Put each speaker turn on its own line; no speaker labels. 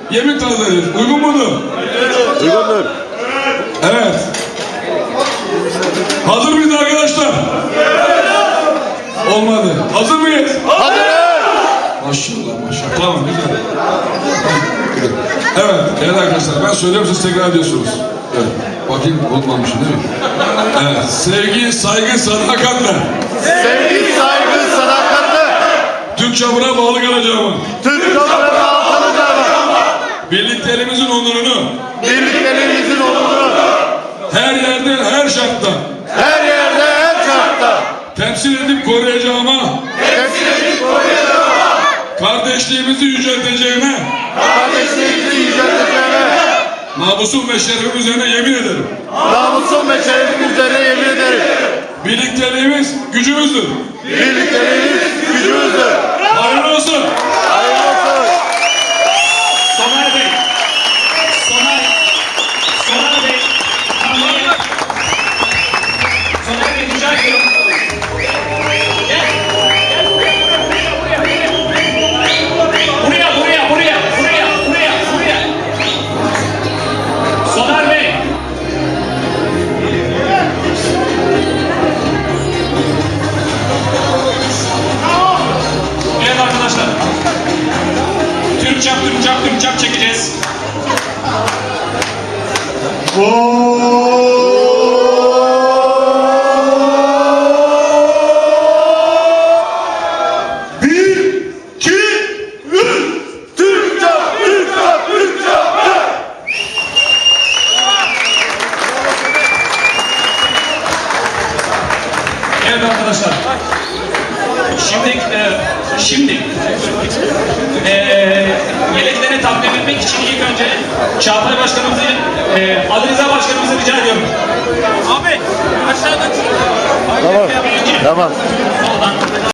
yemin tazeledik. Uygun mudur?
Uygundur.
Evet. Hazır mıyız arkadaşlar? Olmadı. Hazır mıyız?
Hazırız.
Maşallah maşallah. Tamam güzel. Evet arkadaşlar ben söylüyorum siz tekrar ediyorsunuz. Evet. Bakayım unutmamışım değil mi? Evet. Sevgi, saygı, sadakatle.
Sevgi, saygı, sadakatle.
Türk çamuruna bağlı kalacağım.
Türk toprağına kalacağım.
Birliklerimizin onurunu.
Birliklerimizin onurunu.
Her yerde, her şartta.
Her yerde, her şartta.
Temsil edip koruyacağıma.
Temsil edip koruyacağım.
Kardeşliğimizi yücelteceğime.
Kardeşliğimizi yücelteceğime.
Namusum ve şerefim üzerine yemin ederim.
Namusum ve şerefim üzerine yemin ederim.
Birlikteliğimiz gücümüzdür.
Birliklerimiz gücümüzdür.
Hayırlı olsun.
Hayırlı olsun.
Soner Bey. Soner Bey. Soner Bey rica ediyorum. Gel. Buraya. Soner Bey. Evet arkadaşlar. Türk çap çekeceğiz.
Bir, iki, üç. Türk çap, Türk çap, Türk çap.
Evet arkadaşlar. Şimdi yeleklerini takdim etmek için ilk önce Çağatay Başkanımızı, Ali Rıza Başkanımızı rica ediyorum. Abi aşağıda.
Tamam.